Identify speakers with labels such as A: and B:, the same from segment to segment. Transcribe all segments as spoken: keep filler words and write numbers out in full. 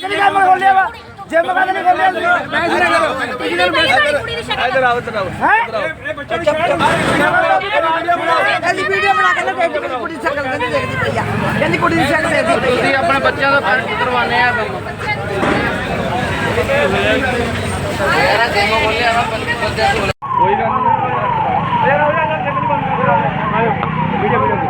A: Gym ਕਹਿੰਦੇ ਨਹੀਂ ਖੋਲਿਆ ਤੁਸੀਂ ਇਧਰ ਆਓ ਇਧਰ ਆਓ
B: ਅਸੀਂ ਵੀਡੀਓ ਬਣਾ ਕੇ ਨਾ ਦੇਖੀ ਮੇਰੀ ਕੁੜੀ ਦੀ ਸ਼ਕਲ ਕਹਿੰਦੀ ਦੇਖਦੀ ਪਈ ਆ ਕਹਿੰਦੀ ਕੁੜੀ ਦੀ ਸ਼ਕਲ ਦੇਖਦੀ ਪਈ
A: ਤੁਸੀਂ ਆਪਣੇ ਬੱਚਿਆਂ ਦਾ ਫਰਜ਼ ਕਰਵਾਉਂਦੇ ਆ ਯਾਰਾ ਜਿਮ ਖੋਲਿਆ ਵਾ ਬੱਚਿਆਂ ਕੋਲ ਕੋਈ ਗੱਲ ਨਹੀਂ ਯਾਰ ਆਓ ਯਾਰ ਜਿਮ ਬੰਦ ਕਰੋ ਆਇਓ ਵੀਡੀਓ ਵੀਡੀਓ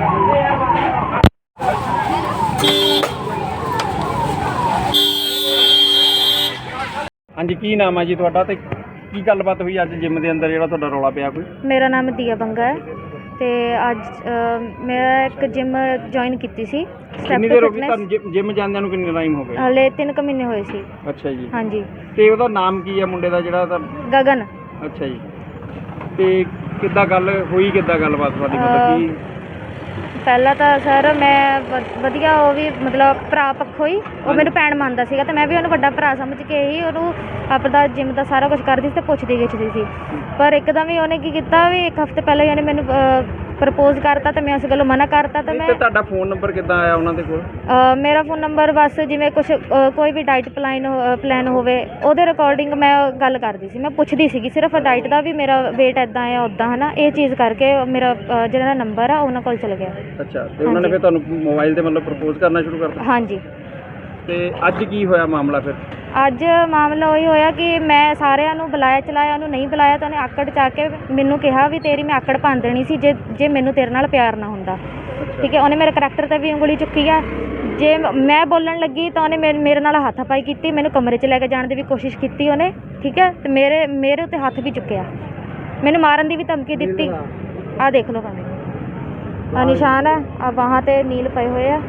A: ਹਾਂਜੀ ਕੀ ਨਾਮ ਹੈ ਜੀ ਤੁਹਾਡਾ ਤੇ ਕੀ ਗੱਲਬਾਤ ਹੋਈ ਅੱਜ ਜਿਮ ਦੇ ਅੰਦਰ ਜਿਹੜਾ ਤੁਹਾਡਾ ਰੌਲਾ ਪਿਆ ਕੋਈ?
C: ਮੇਰਾ ਨਾਮ ਦੀਆ ਬੰਗਾ ਹੈ ਤੇ ਅੱਜ ਮੈਂ ਇੱਕ ਜਿਮ ਜੁਆਇਨ ਕੀਤੀ ਸੀ
A: ਕਿੰਨੀ ਦੇਰ ਹੋ ਗਈ ਤੁਹਾਨੂੰ ਜਿਮ ਜਾਂਦਿਆਂ ਨੂੰ? ਕਿੰਨੇ ਟਾਈਮ ਹੋ ਗਿਆ?
C: ਹਲੇ ਤਿੰਨ ਕੁ ਮਹੀਨੇ ਹੋਏ ਸੀ।
A: ਅੱਛਾ ਜੀ।
C: ਹਾਂਜੀ।
A: ਤੇ ਉਹਦਾ ਨਾਮ ਕੀ ਹੈ ਮੁੰਡੇ ਦਾ ਜਿਹੜਾ ਤਾਂ?
C: ਗਗਨ।
A: ਅੱਛਾ ਜੀ। ਤੇ ਕਿੱਦਾਂ ਗੱਲ ਹੋਈ, ਕਿੱਦਾਂ ਗੱਲਬਾਤ ਤੁਹਾਡੀ ਮਤਲਬ ਕੀ?
C: ਪਹਿਲਾਂ ਤਾਂ ਸਰ ਮੈਂ ਵਧੀਆ ਉਹ ਵੀ ਮਤਲਬ ਭਰਾ ਪੱਖੋਂ ਹੀ ਉਹ ਮੈਨੂੰ ਭੈਣ ਮੰਨਦਾ ਸੀਗਾ ਤੇ ਮੈਂ ਵੀ ਉਹਨੂੰ ਵੱਡਾ ਭਰਾ ਸਮਝ ਕੇ ਹੀ ਉਹਨੂੰ ਆਪਦਾ ਜਿਮ ਦਾ ਸਾਰਾ ਕੁਝ ਕਰਦੀ ਸੀ ਤੇ ਪੁੱਛਦੀ ਗਿੱਛਦੀ ਸੀ। ਪਰ ਇੱਕਦਮ ਹੀ ਉਹਨੇ ਕੀ ਕੀਤਾ ਵੀ ਇੱਕ ਹਫ਼ਤੇ ਪਹਿਲਾਂ ਹੀ ਉਹਨੇ ਮੈਨੂੰ ਪ੍ਰਪੋਜ਼ ਕਰਤਾ ਤੇ ਮੈਂ ਉਸ ਗੱਲੋਂ ਮਨਾ ਕਰਤਾ। ਤੇ ਮੈਂ
A: ਤੁਹਾਡਾ ਫੋਨ ਨੰਬਰ ਕਿੱਦਾਂ ਆਇਆ ਉਹਨਾਂ ਦੇ ਕੋਲ?
C: ਮੇਰਾ ਫੋਨ ਨੰਬਰ ਬਸ ਜਿਵੇਂ ਕੁਛ ਕੋਈ ਵੀ ਡਾਈਟ ਪਲਾਨ ਪਲਾਨ ਹੋਵੇ ਉਹਦੇ ਰਿਕਾਰਡਿੰਗ ਮੈਂ ਗੱਲ ਕਰਦੀ ਸੀ, ਮੈਂ ਪੁੱਛਦੀ ਸੀਗੀ ਸਿਰਫ ਡਾਈਟ ਦਾ ਵੀ ਮੇਰਾ ਵੇਟ ਇੱਦਾਂ ਆ ਉੱਦਾਂ ਹੈ ਨਾ, ਇਹ ਚੀਜ਼ ਕਰਕੇ ਮੇਰਾ ਜਿਹੜਾ ਨੰਬਰ ਆ ਉਹਨਾਂ ਕੋਲ ਚਲਾ ਗਿਆ।
A: ਅੱਛਾ। ਤੇ ਉਹਨਾਂ ਨੇ ਫਿਰ ਤੁਹਾਨੂੰ ਮੋਬਾਈਲ ਤੇ ਮਤਲਬ ਪ੍ਰਪੋਜ਼ ਕਰਨਾ ਸ਼ੁਰੂ ਕਰਤਾ?
C: ਹਾਂਜੀ।
A: ਤੇ ਅੱਜ ਕੀ ਹੋਇਆ ਮਾਮਲਾ ਫਿਰ?
C: ਅੱਜ ਮਾਮਲਾ ਉਹੀ ਹੋਇਆ ਕਿ ਮੈਂ ਸਾਰਿਆਂ ਨੂੰ ਬੁਲਾਇਆ ਚਲਾਇਆ, ਉਹਨੂੰ ਨਹੀਂ ਬੁਲਾਇਆ ਤਾਂ ਉਹਨੇ ਆਕੜ ਚਾ ਕੇ ਮੈਨੂੰ ਕਿਹਾ ਵੀ ਤੇਰੀ ਮੈਂ ਆਕੜ ਭੰਨ ਦੇਣੀ ਸੀ ਜੇ ਜੇ ਮੈਨੂੰ ਤੇਰੇ ਨਾਲ ਪਿਆਰ ਨਾ ਹੁੰਦਾ। ਠੀਕ ਹੈ। ਉਹਨੇ ਮੇਰੇ ਕਰੈਕਟਰ 'ਤੇ ਵੀ ਉਂਗਲੀ ਚੁੱਕੀ ਆ। ਜੇ ਮੈਂ ਬੋਲਣ ਲੱਗੀ ਤਾਂ ਉਹਨੇ ਮੇਰੇ ਮੇਰੇ ਨਾਲ ਹੱਥਾਪਾਈ ਕੀਤੀ, ਮੈਨੂੰ ਕਮਰੇ 'ਚ ਲੈ ਕੇ ਜਾਣ ਦੀ ਵੀ ਕੋਸ਼ਿਸ਼ ਕੀਤੀ ਉਹਨੇ। ਠੀਕ ਹੈ। ਅਤੇ ਮੇਰੇ ਮੇਰੇ ਉੱਤੇ ਹੱਥ ਵੀ ਚੁੱਕਿਆ, ਮੈਨੂੰ ਮਾਰਨ ਦੀ ਵੀ ਧਮਕੀ ਦਿੱਤੀ। ਆਹ ਦੇਖ ਲਓ ਭਾਵੇਂ ਆਹ ਨਿਸ਼ਾਨ ਹੈ, ਆਹ ਬਾਹਾਂ 'ਤੇ ਨੀਲ ਪਏ ਹੋਏ ਆ।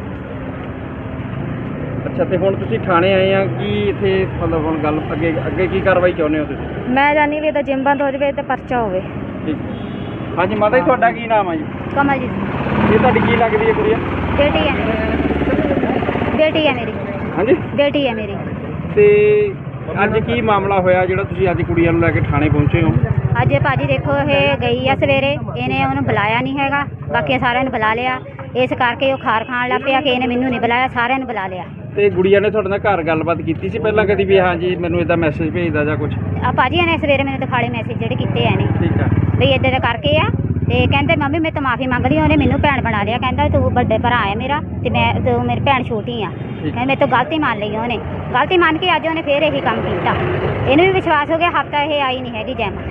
A: ਅੱਛਾ। ਤੇ ਹੁਣ ਤੁਸੀਂ ਥਾਣੇ ਆਏ ਆ ਕੀ ਇੱਥੇ ਮਤਲਬ ਹੁਣ ਗੱਲ ਅੱਗੇ ਅੱਗੇ ਕੀ ਕਾਰਵਾਈ ਚਾਹੁੰਦੇ ਹੋ ਤੁਸੀਂ?
C: ਮੈਂ ਚਾਹੁੰਦੀ ਵੀ ਇਹਦਾ ਜਿਮ ਬੰਦ ਹੋ ਜਾਵੇ ਤੇ ਪਰਚਾ ਹੋਵੇ।
A: ਠੀਕ। ਹਾਂਜੀ ਮਾਤਾ ਜੀ ਤੁਹਾਡਾ ਕੀ ਨਾਮ ਹੈ ਜੀ?
C: ਕਮਲਜੀਤ।
A: ਇਹ ਤੁਹਾਡੀ ਕੀ ਲੱਗਦੀ ਹੈ ਕੁੜੀਆ?
C: ਬੇਟੀ ਹੈ ਮੇਰੀ। ਬੇਟੀ ਹੈ ਮੇਰੀ।
A: ਹਾਂਜੀ
C: ਬੇਟੀ ਹੈ ਮੇਰੀ।
A: ਤੇ ਅੱਜ ਕੀ ਮਾਮਲਾ ਹੋਇਆ ਜਿਹੜਾ ਤੁਸੀਂ ਅੱਜ ਕੁੜੀਆਂ ਨੂੰ ਲੈ ਕੇ ਥਾਣੇ ਪਹੁੰਚੇ ਹੋ?
D: ਅੱਜ ਭਾਜੀ ਦੇਖੋ ਇਹ ਗਈ ਆ ਸਵੇਰੇ, ਇਹਨੇ ਉਹਨੂੰ ਬੁਲਾਇਆ ਨਹੀਂ ਹੈਗਾ, ਬਾਕੀ ਸਾਰਿਆਂ ਨੂੰ ਬੁਲਾ ਲਿਆ। ਇਸ ਕਰਕੇ ਉਹ ਖਾਰ ਖਾਣ ਲੱਗ ਪਿਆ ਕਿ ਇਹਨੇ ਮੈਨੂੰ ਨਹੀਂ ਬੁਲਾਇਆ, ਸਾਰਿਆਂ ਨੂੰ ਬੁਲਾ ਲਿਆ।
A: ਤੇ ਗੁੜੀਆ ਨੇ ਤੁਹਾਡੇ ਨਾਲ ਘਰ ਗੱਲਬਾਤ ਕੀਤੀ ਸੀ ਪਹਿਲਾਂ ਕਦੀ ਵੀ ਹਾਂਜੀ ਮੈਨੂੰ ਇੱਦਾਂ ਮੈਸੇਜ ਭੇਜਦਾ ਜਾਂ ਕੁਝ?
D: ਆ ਭਾਜੀ ਇਹਨੇ ਸਵੇਰੇ ਮੈਨੂੰ ਦਿਖਾਲੇ ਮੈਸੇਜ ਜਿਹੜੇ ਕੀਤੇ ਆ ਨੇ।
A: ਠੀਕ ਆ।
D: ਵੀ ਇੱਦਾਂ ਦਾ ਕਰਕੇ ਆ ਤੇ ਕਹਿੰਦੇ ਮੰਮੀ ਮੈਂ ਤਾਂ ਮਾਫੀ ਮੰਗ ਲਈ, ਉਹਨੇ ਮੈਨੂੰ ਭੈਣ ਬਣਾ ਲਿਆ। ਕਹਿੰਦਾ ਤੂੰ ਵੱਡੇ ਭਰਾ ਹੈ ਮੇਰਾ ਤੇ ਮੈਂ ਤੂੰ ਮੇਰੀ ਭੈਣ ਛੋਟੀ ਆ। ਕਹਿੰਦੇ ਮੇਰੇ ਤੋਂ ਗਲਤੀ ਮੰਨ ਲਈ ਉਹਨੇ, ਗਲਤੀ ਮੰਨ ਕੇ ਅੱਜ ਉਹਨੇ ਫੇਰ ਇਹੀ ਕੰਮ ਕੀਤਾ। ਇਹਨੂੰ ਵੀ ਵਿਸ਼ਵਾਸ ਹੋ ਗਿਆ ਹਫ਼ਤਾ ਇਹ ਆਈ ਨਹੀਂ ਹੈਗੀ ਜੈਮ,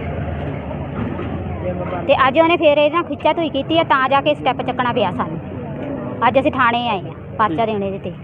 D: ਤੇ ਅੱਜ ਉਹਨੇ ਫੇਰ ਇਹਦੇ ਨਾਲ ਖਿੱਚਾ ਧੂਈ ਕੀਤੀ ਹੈ ਤਾਂ ਜਾ ਕੇ ਸਟੈਪ ਚੱਕਣਾ ਪਿਆ ਸਾਨੂੰ। ਅੱਜ ਅਸੀਂ ਥਾਣੇ ਆਏ ਹਾਂ ਪਰਚਾ ਦੇਣ ਇਹਦੇ 'ਤੇ।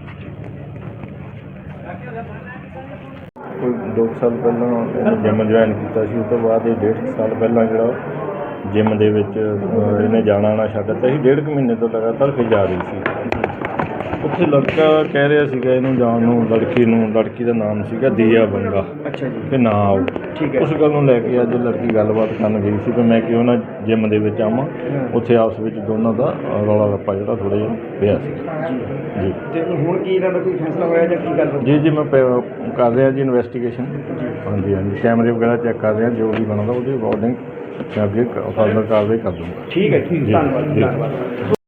E: ਕੋਈ ਦੋ ਸਾਲ ਪਹਿਲਾਂ ਜਿਮ ਜੁਆਇਨ ਕੀਤਾ ਸੀ, ਉਸ ਤੋਂ ਬਾਅਦ ਇਹ ਡੇਢ ਸਾਲ ਪਹਿਲਾਂ ਜਿਹੜਾ ਜਿਮ ਦੇ ਵਿੱਚ ਇਹਨੇ ਜਾਣਾ ਆਉਣਾ ਛੱਡ ਦਿੱਤਾ ਸੀ। ਡੇਢ ਕੁ ਮਹੀਨੇ ਤੋਂ ਲਗਾਤਾਰ ਫਿਰ ਜਾ ਰਹੀ ਸੀ। ਉੱਥੇ ਲੜਕਾ ਕਹਿ ਰਿਹਾ ਸੀਗਾ ਇਹਨੂੰ ਜਾਣ ਨੂੰ, ਲੜਕੀ ਨੂੰ, ਲੜਕੀ ਦਾ ਨਾਮ ਸੀਗਾ ਦੀਆ ਬੰਗਾ।
A: ਅੱਛਾ ਜੀ।
E: ਕਿ ਨਾ ਆਓ।
A: ਠੀਕ ਹੈ।
E: ਉਸ ਗੱਲ ਨੂੰ ਲੈ ਕੇ ਅੱਜ ਲੜਕੀ ਗੱਲਬਾਤ ਕਰਨ ਗਈ ਸੀ ਕਿ ਮੈਂ ਕਿਉਂ ਨਾ ਜਿਮ ਦੇ ਵਿੱਚ ਆਵਾਂ। ਉੱਥੇ ਆਪਸ ਵਿੱਚ ਦੋਨਾਂ ਦਾ ਰੌਲਾ ਰੱਪਾ ਜਿਹੜਾ ਥੋੜ੍ਹਾ ਜਿਹਾ ਪਿਆ ਸੀ ਜੀ।
A: ਤੇ ਹੁਣ ਕੀ ਇਹਨਾਂ ਦਾ ਕੋਈ ਫੈਸਲਾ ਹੋਇਆ ਜਾਂ ਕੀ ਗੱਲ?
E: ਜੀ ਜੀ ਮੈਂ ਕਰ ਰਿਹਾ ਜੀ ਇਨਵੈਸਟੀਗੇਸ਼ਨ। ਹਾਂਜੀ ਹਾਂਜੀ ਕੈਮਰੇ ਵਗੈਰਾ ਚੈੱਕ ਕਰ ਰਿਹਾ, ਜੋ ਵੀ ਬਣਦਾ ਉਹਦੇ ਅਕੋਰਡਿੰਗ ਮੈਂ ਅੱਗੇ ਫਰਦਰ ਕਾਰਵਾਈ ਕਰ ਦੂੰਗਾ।
A: ਠੀਕ ਹੈ। ਠੀਕ। ਧੰਨਵਾਦ। ਧੰਨਵਾਦ।